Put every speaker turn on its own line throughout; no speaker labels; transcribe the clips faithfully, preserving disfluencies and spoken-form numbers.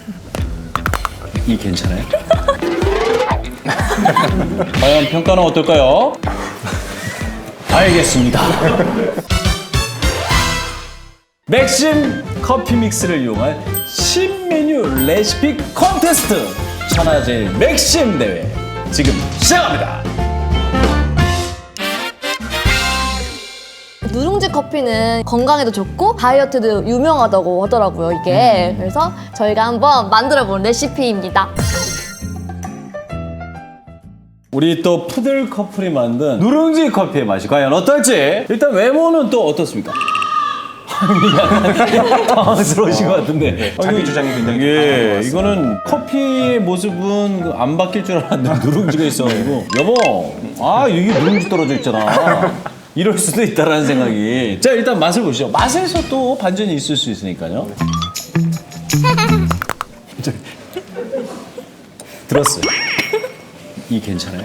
이 괜찮아요? 과연 평가는 어떨까요? 알겠습니다. 맥심 커피 믹스를 이용한 신메뉴 레시피 콘테스트 천하제일 맥심 대회 지금 시작합니다.
누룽지 커피는 건강에도 좋고 다이어트도 유명하다고 하더라고요, 이게.
음.
그래서 저희가 한번 만들어본 레시피입니다.
우리 또 푸들 커플이 만든 누룽지 커피의 맛이 과연 어떨지. 일단 외모는 또 어떻습니까? 약간 당황스러우신 것 같은데.
네, 자기 주장이 굉장히
예,
강한 것 같습니다.
이거는 커피의 모습은 안 바뀔 줄 알았는데 누룽지가 있어가지고 여보, 아 이게 누룽지 떨어져 있잖아. 이럴 수도 있다라는 생각이. 자, 일단 맛을 보시죠. 맛에서 또 반전이 있을 수 있으니까요. 들었어요. 이 괜찮아요?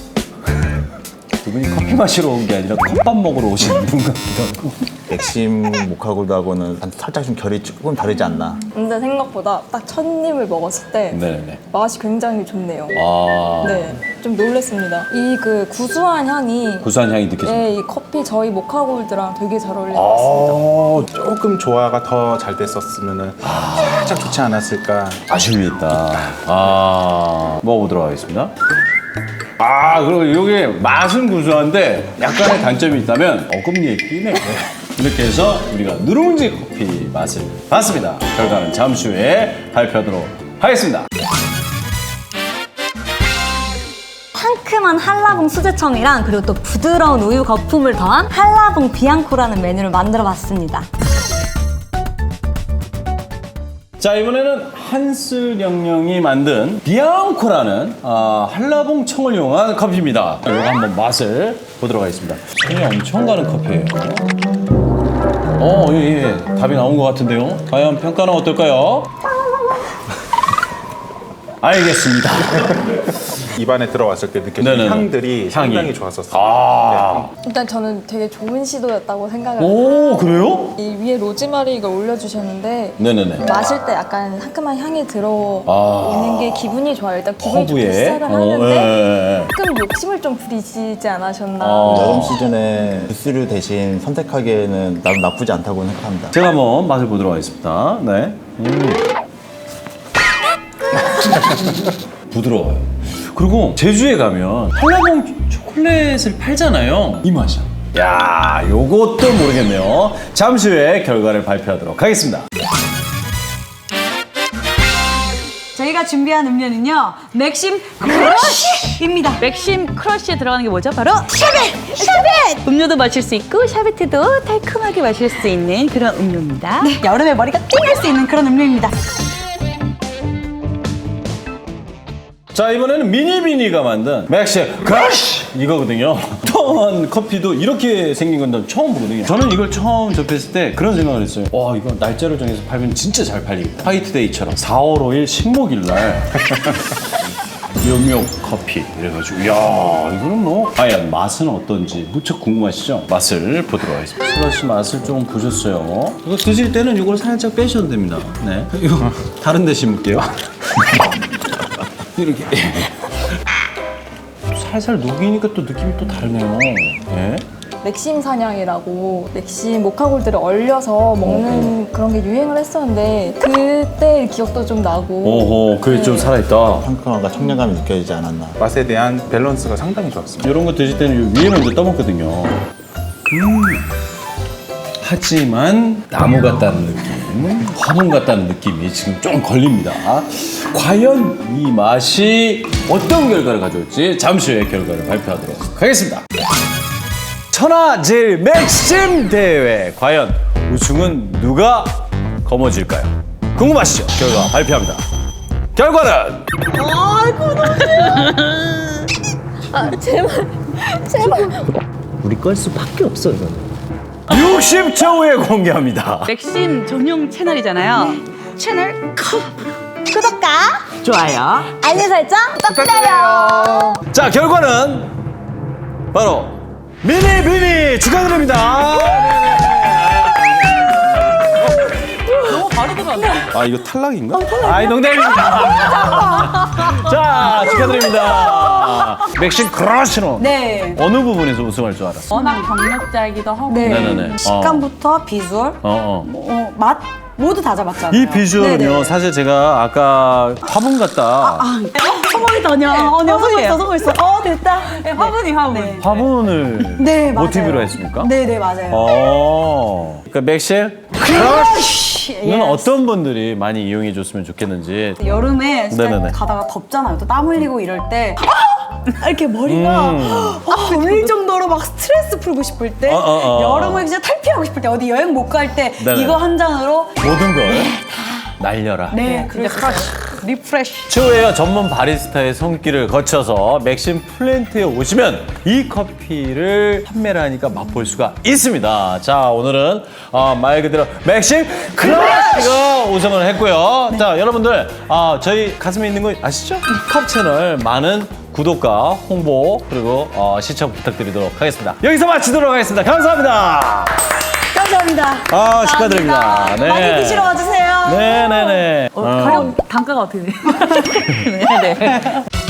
두 분이 커피 마시러 온 게 아니라 컵밥 먹으러 오신 분 같기도 하고.
맥심 모카골드하고는 살짝 좀 결이 조금 다르지 않나.
근데 생각보다 딱 첫 입을 먹었을 때
네네.
맛이 굉장히 좋네요.
아,
네, 좀 놀랐습니다. 이 그 구수한 향이
구수한 향이 느껴집니다.
네, 이 커피 저희 모카골드랑 되게 잘 어울리는 것 같습니다.
조금 조화가 더 잘 됐었으면 살짝 좋지 않았을까.
아쉬움이 있다. 아, 먹어보도록 하겠습니다. 아, 그리고 이게 맛은 구수한데 약간의 단점이 있다면 어금니에 끼네. 이렇게 해서 우리가 누룽지 커피 맛을 봤습니다. 결과는 잠시 후에 발표하도록 하겠습니다.
상큼한 한라봉 수제청이랑 그리고 또 부드러운 우유 거품을 더한 한라봉 비앙코라는 메뉴를 만들어 봤습니다.
자, 이번에는 한슬영영이 만든 비앙코라는 아, 한라봉 청을 이용한 커피입니다. 이거 한번 맛을 보도록 하겠습니다. 손이 엄청 가는 커피예요. 어, 예, 예. 답이 나온 것 같은데요. 과연 평가는 어떨까요? 알겠습니다.
입안에 들어왔을 때 느껴지는
네네네.
향들이
향이.
상당히 좋았었어요.
아,
일단 저는 되게 좋은 시도였다고 생각을
오, 그래요?
이 위에 로즈마리가 올려주셨는데
네네네.
마실 때 약간 상큼한 향이 들어오는
아.
게 기분이 좋아요. 일단 기분이 좋게
허브에.
시작을
어,
하는데
예, 예.
조금 욕심을 좀 부리시지 않으셨나.
어.
여름 시즌에 주스를 대신 선택하기에는 나도 나쁘지 않다고 생각합니다.
제가 한번 맛을 보도록 하겠습니다. 네. 음. 부드러워요. 그리고 제주에 가면 한라봉 초콜릿을 팔잖아요. 이 맛이야. 야, 요것도 모르겠네요. 잠시 후에 결과를 발표하도록 하겠습니다.
저희가 준비한 음료는요, 맥심 크러쉬입니다.
맥심 크러쉬에 들어가는 게 뭐죠? 바로 샤벳! 샤벳! 음료도 마실 수 있고 샤베트도 달콤하게 마실 수 있는 그런 음료입니다.
네, 여름에 머리가 띵할 수 있는 그런 음료입니다.
자, 이번에는 미니비니가 만든 맥심 크러쉬 이거거든요. 또한 커피도 이렇게 생긴 건 처음 보거든요. 저는 이걸 처음 접했을 때 그런 생각을 했어요. 와, 이거 날짜를 정해서 팔면 진짜 잘 팔리겠다. 화이트데이처럼 사월 오일 식목일 날 영역 커피 이래가지고 이야, 이거는 뭐 과연 맛은 어떤지 무척 궁금하시죠? 맛을 보도록 하겠습니다. 슬러시 맛을 좀 보셨어요. 이거 드실 때는 이걸 살짝 빼셔도 됩니다. 네, 이거 다른 데 심을게요. 이렇게 살살 녹이니까 또 느낌이 또 다르네요. 네.
맥심 사냥이라고 맥심 모카골드를 얼려서 먹는 그런 게 유행을 했었는데 그때 기억도 좀 나고.
오호, 그게 좀 살아있다.
상큼함과 청량감이 느껴지지 않았나.
맛에 대한 밸런스가 상당히 좋았습니다.
이런 거 드실 때는 위에 먼저 떠먹거든요. 음. 하지만 나무 같다는 느낌, 화분 같다는 느낌이 지금 좀 걸립니다. 과연 이 맛이 어떤 결과를 가져올지 잠시 후에 결과를 발표하도록 하겠습니다. 천하제일 맥심 대회 과연 우승은 누가 거머쥘까요? 궁금하시죠? 결과 발표합니다. 결과는
아, 제발, 제발.
우리 걸 수밖에 없어 이건.
육십 초 후에 공개합니다.
맥심 전용 채널이잖아요. 채널 컵!
구독과
좋아요.
알림 설정 부탁드려요.
자, 결과는 바로 미니 비니 축하드립니다.
너무
바로 들어왔네.
아 이거 탈락인가?
아이 농담입니다. 자 축하드립니다. 맥심 크러쉬노.
네.
어느 부분에서 우승할 줄 알았어?
워낙 경력자이기도 하고.
네.
네네네.
식감부터 비주얼,
어, 어.
어, 맛 모두 다 잡았잖아요.
이 비주얼은요,
네네.
사실 제가 아까 화분 같다.
성공이 더냐? 어, 네, 성공했어, 성공했어. 어, 됐다.
네, 화분이 화분.
네.
화분을
네, 맞아요.
모티브로 했습니까?
네, 네, 맞아요.
어. 그러니까 맥실 크러쉬는
예.
어떤 분들이 많이 이용해 줬으면 좋겠는지.
여름에 진짜
네네네.
가다가 덥잖아요. 또 땀 흘리고 이럴 때 아! 이렇게 머리가
음.
아, 돌릴 정도로 막 스트레스 풀고 싶을 때,
어, 어, 어.
여름을 진짜 탈피하고 싶을 때, 어디 여행 못 갈 때
네네.
이거 한 잔으로
모든 걸 날려라.
네,
진짜 크러쉬. 리프레쉬.
최후의 전문 바리스타의 손길을 거쳐서 맥심 플랜트에 오시면 이 커피를 판매를 하니까 맛볼 수가 있습니다. 자, 오늘은 어, 말 그대로 맥심 크러쉬가 우승을 했고요. 자, 여러분들 어, 저희 가슴에 있는 거 아시죠? 컵 채널 많은 구독과 홍보 그리고 어, 시청 부탁드리도록 하겠습니다. 여기서 마치도록 하겠습니다. 감사합니다.
감사합니다.
아, 축하드립니다. 네.
많이 드시러 와주세요.
네네네.
어, 가격 단가가 어떻게 돼요? 네, 네.